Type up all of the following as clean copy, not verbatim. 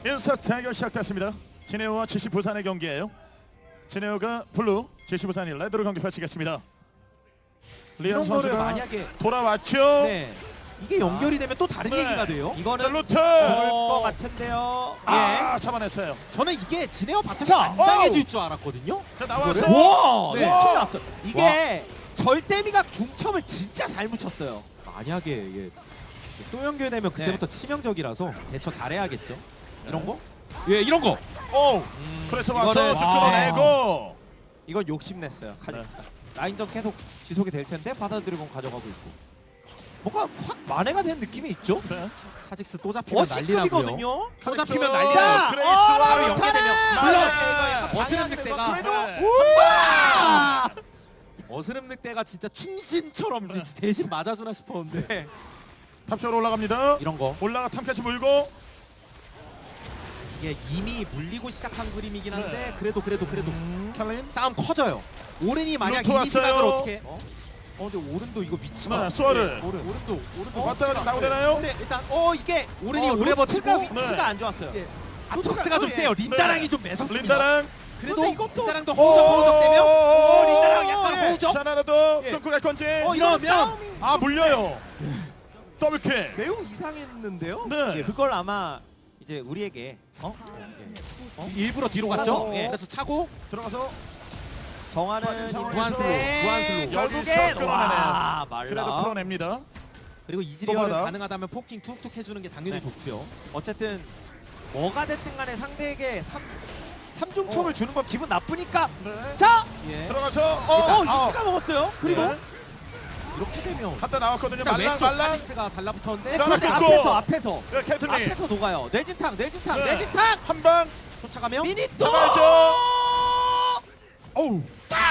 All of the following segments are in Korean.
1사 대결 시작됐습니다. 진에어와 GC 부산의 경기예요. 진에어가 블루, GC 부산이 레드로 경기 펼치겠습니다. 리안 이런 거를 선수가 만약에 돌아왔죠. 네. 이게 연결이 되면 또 다른 네. 얘기가 돼요. 자, 이거는 루트. 좋을 것 같은데요. 아, 잡아냈어요. 저는 이게 진에어 바텀이 자, 안 당해질 줄 알았거든요. 자, 나와서 와, 네. 네. 큰일 났어요. 이게 절대미가 중첩을 진짜 잘 묻혔어요. 만약에 이게 또 연결되면 그때부터 치명적이라서 대처 잘해야겠죠. 이런 거? 예, 이런 거. 오. 그래서 와서 이거는- 쭉 와. 끌어내고. 이건 욕심냈어요. 카직스가. 라인전 계속 지속이 될 텐데 바다 드래곤 가져가고 있고. 뭔가 확 만회가 된 느낌이 있죠? 네. 카직스 또 잡히면 난리나고요. 시급이거든요. 또 잡히면 자, 난리나요. 그레이스와 바로 연결. 연계되면 물론. 어스름 늑대가 그래도 네. 우와! 어스름 늑대가 진짜 충신처럼 대신 맞아주나 싶었는데 네. 탑쪽으로 올라갑니다. 이런 거 올라가 탐캐치 물고. 이게 이미 물리고 시작한 그림이긴 한데 네. 그래도 캘린. 싸움 커져요. 오른이 만약 루트 이 시각을 왔어요. 어떻게? 근데 오른도 이거 위치가 네, 수아를. 오른도 왔다 위치가- 나오고 되나요? 근데 일단 이게 오른이 오래 루트가 버티고 위치가 네. 안 좋았어요. 예. 아톡스가 좀 예. 세요. 린다랑이 네. 좀 매섭습니다. 린다랑. 그래도 근데 이것도- 린다랑도 호우적되면 린다랑 약간 예. 호우적. 자나라도 예. 끊고 갈 건지. 이러면 싸움이 아, 물려요. 더블킥. 매우 이상했는데요. 네. 그걸 아마 이제 우리에게 일부러 뒤로 갔죠. 예. 그래서 차고 들어가서 정하는 무한슬로, 무한슬로. 여기서 결국엔 끊어내네요. 와 그래도 말라. 풀어냅니다. 그리고 이즈리얼은 뽑아라. 가능하다면 포킹 툭툭 해주는 게 당연히 네. 좋고요. 어쨌든 뭐가 됐든 간에 상대에게 삼중첩을 주는 건 기분 나쁘니까. 네. 자, 예. 들어가서 이스가 먹었어요. 그리고 네. 이렇게 되면 갔다 나왔거든요. 일단 말랑 왼쪽 말랑. 카직스가 달라붙었는데 하나 그런데 끊고. 앞에서 네, 캐틀리. 앞에서 녹아요. 내진탕 네. 내진탕. 한 방. 쫓아가면 미니또. 잡아야죠. 어우.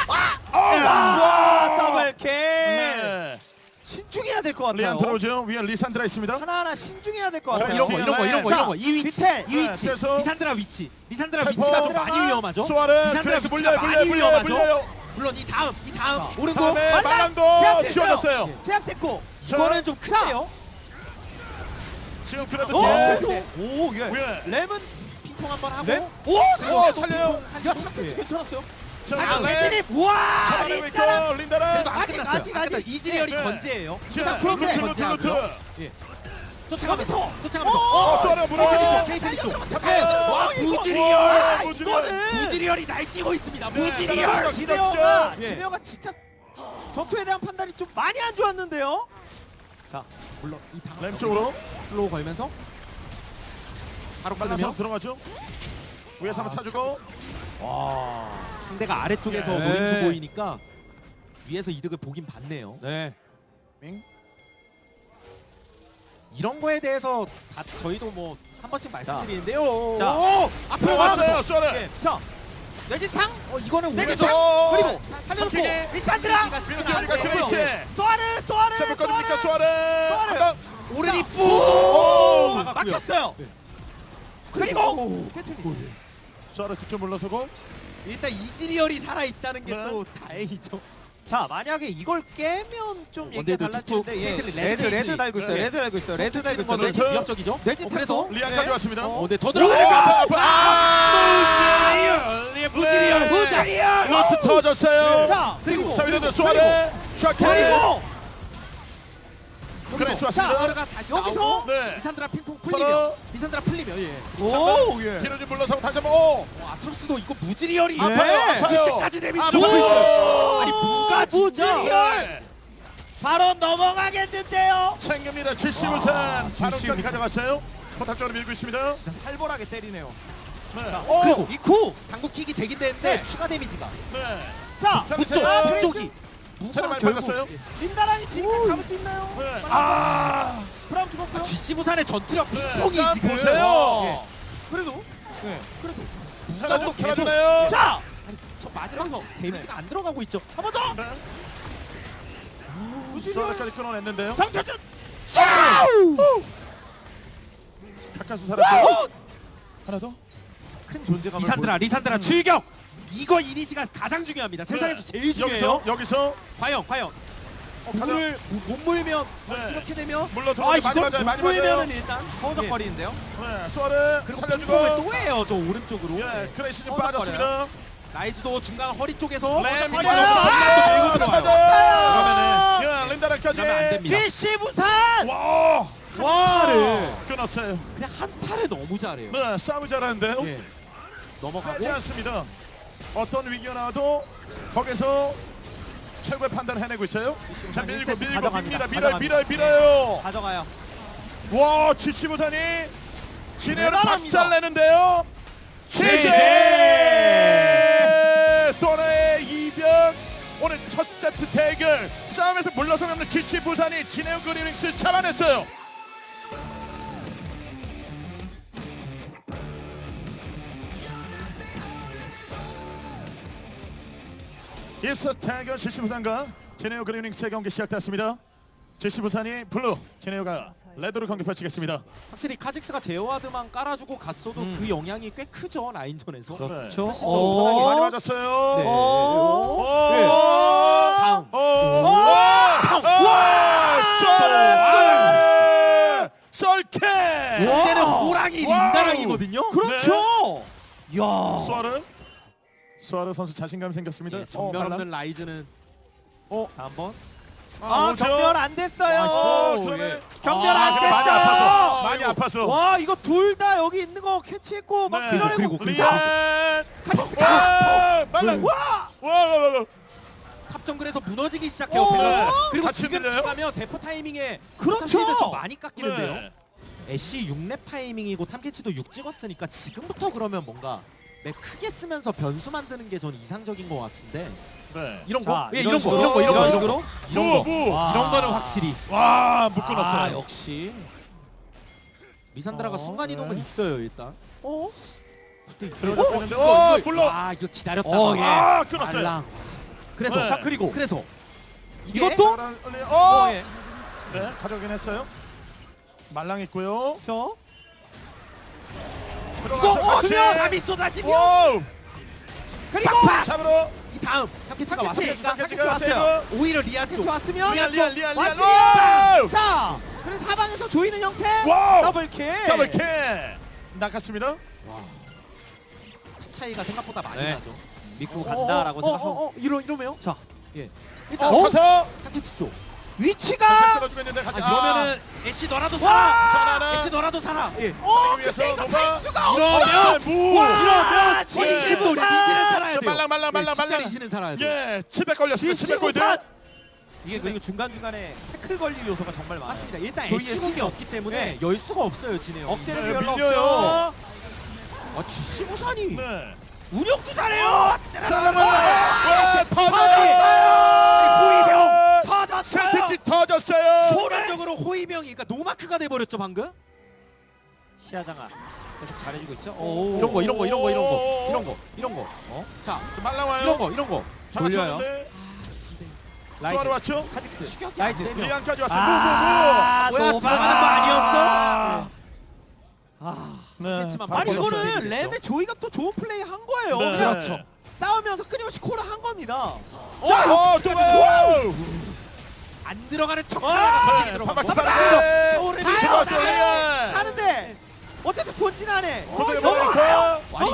와, 더블킥. 네. 신중해야 될 것 같아요. 리안 들어오죠. 위에 리산드라 있습니다. 하나하나 신중해야 될 것 어, 같아요. 이런 거. 자, 이 위치 디테일. 이 위치 그래서 리산드라 위치 리산드라 템포. 위치가 좀 많이 위험하죠. 수아르. 리산드라 그래서 위치가 물려요. 많이 물려요. 위험하죠. 물론 이 다음 오른쪽 다음에 말랑. 말랑도 제압됐어요. 지워졌어요. 제압됐고. 이거는 좀 큰데요. 지금 그래도 오, 뒤에. 그래도 오, 예. 위에. 램은 핑퐁 한번 하고 램. 오, 오, 살려요. 야, 탑캐치 괜찮았어요. 자, 다시 네. 재진입. 우와, 잡아내고 린다랑. 있고 린다랑. 그래도 안 아직, 끝났어요. 아직, 안 끝났어요. 아직. 이즈리얼이 네. 건재예요. 자, 그런데 루트. 건재하고요. 예. 쫓아가면서 어, 수아르 물어. 케이틀리 쪽 잡혀요. 와 이거- 무지리얼 와, 무지리얼. 이거는 무지리얼이 날뛰고 있습니다. 네, 무지리얼 진에어가 예. 진에어가 진짜 전투에 대한 판단이 좀 많이 안 좋았는데요. 자, 물론 이 다음 램 쪽으로 슬로우 걸면서 바로 빨라서 끊으면 들어가죠. 위에서 한번 차주고. 와, 상대가 아래쪽에서 예. 노림수 보이니까 위에서 이득을 보긴 봤네요. 네. 밍. 이런 거에 대해서 다 저희도 뭐 한 번씩 말씀드리는데요. 자. 오! 앞으로 왔어요, 가면서 수아르. 예. 자, 내진탕. 이거는 내진탕. 오! 그리고 삼키기. 살려놓고 리산드라. 리산드라가 안 그레이스. 돼요. 소아르, 소아르, 자, 묶어줍니까, 소아르. 수아르. 한 방. 오른이 자. 뿌! 오, 막았고요. 막혔어요. 네. 그리고 캐틀리. 수아르 그쪽 물러서고. 일단 이즈리얼이 살아 있다는 게 네. 또 다행이죠. 자, 만약에 이걸 깨면 좀 얘기가 원데이도 달라지는데 툭툭. 예. 캐틀리, 레드 레드 달고 있어요. 네. 레드 달고 있어요. 레드 달고 있어요. 거는 레드. 레드. 위협적이죠. 내지 그래서 탁도. 리안까지 왔습니다. 근데 더 오! 들어가니까 무지리얼. 무지리얼. 루트 터졌어요. 자, 그리고 자, 위로 수아르. 샤케. 그리고 그레이스 왔습니다. 수아르가 다시 여기서? 나오고 네. 리산드라 핑퐁 서로. 풀리면 리산드라 풀리면 예. 오, 예. 뒤로 좀 물러서고 다시 한번. 오. 아트록스도 이거 무지리얼이 아파요. 아파요. 이때까지 데미지 아파요. 들어가고 있어요. 아니 뭔가 무지리얼. 네. 바로 넘어가겠는데요. 챙깁니다. 70우산. 바로까지 가져갔어요. 포탑 쪽으로 밀고 있습니다. 진짜 살벌하게 때리네요. 네. 그리고 이쿠. 당구킥이 되긴 되는데 네. 추가 데미지가 네. 자, 자, 그쪽 자, 그쪽이 차를 많이 결국 받았어요. 린다랑이 지니까 잡을 수 있나요? 네. 아. 브라움 죽었고요. GC 부산의 전투력 네. 핑퐁이 자, 지금 보세요. 예. 그래도 그래도 하나 좀 계속. 잡아주나요? 자, 저 마지막 데미지가 안 들어가고 있죠. 한 번 더. 네. 무지리얼. 수아르까지 끊어냈는데요. 장철준. 가까스 살았고. 하나 더. 큰 존재감을 리산드라 출격. 이거 이니시가 가장 중요합니다. 세상에서 제일 중요해요. 여기서 과연 물을 못 모이면 네. 이렇게 되면 물러 아 들어가서 이걸 많이 맞아요. 못 많이 모이면은 맞아요. 일단 허우적거리는데요. 네, 수아를 그리고 살려주고. 핑퐁을 또 해요 저 오른쪽으로. 예, 크레이스 좀 허우적거려요. 빠졌습니다. 라이즈도 중간 허리 쪽에서 네, 밀고 밀고 밀고 들어와요. 들어가요. 예, 린다라까지. 그러면 안 됩니다. GC 부산. 와, 와를 끊었어요. 그냥 한타를 너무 잘해요. 네, 싸움을 잘하는데요. 예. 넘어가고 하지 않습니다. 어떤 위기가 나와도 거기서 최고의 판단을 해내고 있어요. 자, 밀고 세트 밀고 가져갑니다. 밀어요, 가져갑니다. 밀어요. 가져가요. 와, GC 부산이 진해를 대단합니다. 박살내는데요. 제제! 또나의 이변. 오늘 첫 세트 대결 싸움에서 물러서면 없는 GC 부산이 진해우 그리닝스 잡아냈어요. 이 세트 대결 GC 부산과 진해우 그리닝스의 경기 시작됐습니다. GC 부산이 블루, 진해우가 레드로 경기 펼치겠습니다. 확실히 카직스가 제어와드만 깔아주고 갔어도 그 영향이 꽤 크죠 라인전에서. 그렇죠. 훨씬 더 오, 많이 맞았어요. 네. 오, 네. 다음. 썰케. 이때는 호랑이 와우. 린다랑이거든요. 그렇죠. 야. 수아르 선수 자신감 생겼습니다. 예, 전멸 없는 라이즈는 자, 한번 오죠? 경멸 안 됐어요. 그러면 경멸 안 근데 많이 됐어요. 아파서 많이 아파서. 와 이거 둘 다 여기 있는 거 캐치했고 막 네. 밀어내고 그리고 리안. 카직스 와, 말랑. 와. 와. 탑 정글에서 무너지기 시작해요. 오. 밸런스. 그리고 같이 지금 밀려요? 가면 대포 타이밍에 그렇죠. 탑시드 좀 많이 깎이는데요. 네. 애쉬 6렙 타이밍이고 탐캐치도 6 찍었으니까 지금부터 그러면 뭔가 맵 크게 쓰면서 변수 만드는 게 전 이상적인 것 같은데 네. 이런 자, 거, 예, 이런 이런 거, 식으로, 이런 거, 이런 거, 이런 이런 식으로? 거, 이런 거, 무. 와. 이런 거는 확실히 와, 못 끊었어요. 아, 역시 리산드라가 순간 이동은 네. 있어요 일단. 그때 들어갔는데. 어, 물론. 아 이거 기다렸다가 예. 아, 끊었어요. 말랑. 그래서 네. 자 그리고 그래서 이게 이것도 네, 가져가긴 했어요. 말랑 있고요. 저 들어가서 같이. 잠이 쏟아지면 와우. 그리고 잡으러. 이 다음 탐캐치가 왔으니까 탐캐치가 왔어요. 왔어요. 오히려 리안 쪽 캐치 왔으면 리안. 왔으면 와우. 자 그래서 사방에서 조이는 형태 와우. 더블킬 더블킥. 나갔습니다. 차이가 생각보다 많이 네. 나죠. 믿고 간다라고 생각하고 이러면요? 자, 예. 일단 가서 탐캐치 쪽. 위치가 끌어주고 있는데 같이. 그러면은 애쉬 너라도 살아. 자나나. 애쉬 너라도 살아. 예. 위해서 근데 이거 노바. 살 수가 이러면 무. 이러면 진짜 진심도 부산! 리지는 살아야 저 돼요. 말랑. 리지는 살아야 돼요. 예, 칩에 걸렸습니다. 칩에 골드. 이게 그리고 중간중간에 태클 걸릴 요소가 정말 많아요. 맞습니다. 일단 조이의 애쉬 궁이 수격. 없기 때문에 네. 열 수가 없어요, 진해요. 억제력이 네, 별로 밀려요. 없죠. 아, GC 부산이 네. 운영도 잘해요. 와, 호위병 터졌어요. 세트치 터졌어요. 소란적으로 호위병이 그러니까 노마크가 돼 버렸죠, 방금. 시야장아 계속 잘해주고 있죠. 이런 거. 자, 말랑 와요. 이런 거. 졸려요. 수아로 왔죠? 카직스 라이즈. 리안까지 왔어요. 뭐야, 들어가는 거 아니었어? 네. 캐치만 아니 바꿔줬어요. 이거는 되겠죠. 랩의 조이가 또 좋은 플레이 한 거예요. 네. 그냥 그렇죠. 싸우면서 끊임없이 콜을 한 겁니다. 자, 또 와요. 안 들어가는 척. 네, 들어가고. 잡아. 서울에 자요, 들어왔어요. 자요. 자는데 어쨌든 본진 안에 고생해 너무 보니까. 아니,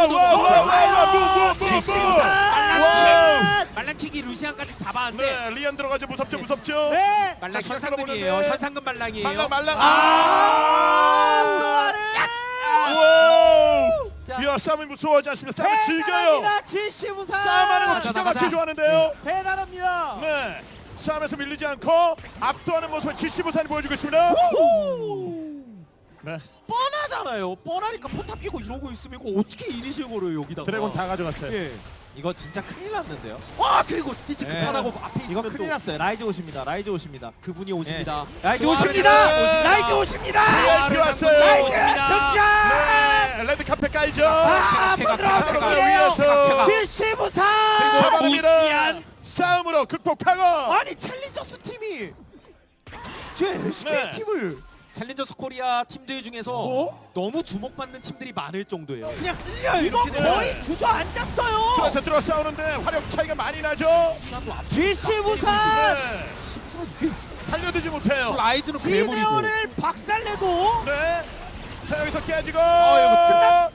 말랑킥이 루시안까지 잡았는데 네, 리안 들어가죠. 무섭죠. 네. 말랑 자, 시간 현상금이에요. 끌어보는데. 현상금 말랑이에요. 말랑. 수아르 와우. 자. 이야, 싸움이 무서워하지 않습니다. 싸움을 즐겨요. GC 부산 싸움하는 거 맞아, 기가 맞아. 막히게 좋아하는데요. 대단합니다. 네. 싸움에서 밀리지 않고 압도하는 모습을 GC 부산이 보여주고 있습니다. 네. 뻔하잖아요. 뻔하니까 포탑 끼고 이러고 있으면 이거 어떻게 이니시를 걸어요 여기다가. 드래곤 다 가져갔어요. 예. 이거 진짜 큰일 났는데요. 와 그리고 스티치 네. 급하다고 앞에 이거 있으면 큰일 또 났어요. 라이즈 오십니다. 그분이 오십니다. 라이즈 수아르 오십니다. 오십니다. 라이즈 오십니다. VIP 왔어요. 라이즈 오십니다. 등장. 네. 레드 카페 깔죠. 각해가 잡으러 위해서 GC 부산. 잡아냅니다. 무시한. 싸움으로 극복하고. 아니 챌린저스 팀이 제 SK 네. 팀을 챌린저스 코리아 팀들 중에서 너무 주목받는 팀들이 많을 정도예요. 그냥 쓸려요 이거 이렇게 되면. 거의 주저앉았어요. 들어서 들어 싸우는데 화력 차이가 많이 나죠. 시간도 앞. GC 부산. 네. 이게 살려두지 못해요. 라이즈는 괴물이고. 지네어를 박살내고 네. 자 여기서 깨지고. 이거 뜬다.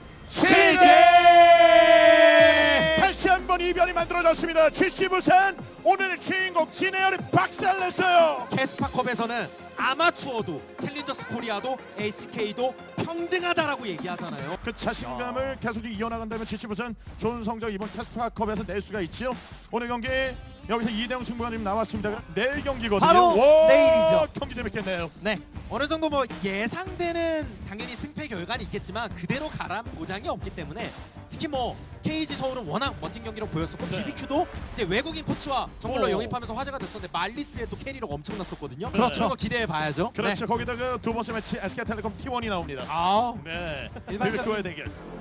시제. 다시 한번 이변이 만들어졌습니다. GC 부산 오늘의 주인공 진해열이 박살냈어요. 캐스파컵에서는 아마추어도 챌린저스 코리아도 LCK도 평등하다라고 얘기하잖아요. 그 자신감을 계속 이어나간다면 GC 부산 좋은 성적 이번 캐스파컵에서 낼 수가 있죠. 오늘 경기 여기서 2대0 승부가 지금 나왔습니다. 내일 경기거든요. 바로 와, 내일이죠. 경기 재밌겠네요. 네. 어느 정도 뭐 예상되는 당연히 승패 결과는 있겠지만 그대로 가란 보장이 없기 때문에 특히 뭐 KG 서울은 워낙 멋진 경기로 보였었고 네. BBQ도 이제 외국인 코치와 정글러 오. 영입하면서 화제가 됐었는데 말리스의 또 캐리력 엄청났었거든요. 그렇죠. 그런 거 기대해 봐야죠. 그렇죠. 거기다가 두 번째 매치 SK텔레콤 T1이 나옵니다. 아, 네. 일반적인- BBQ의 대결.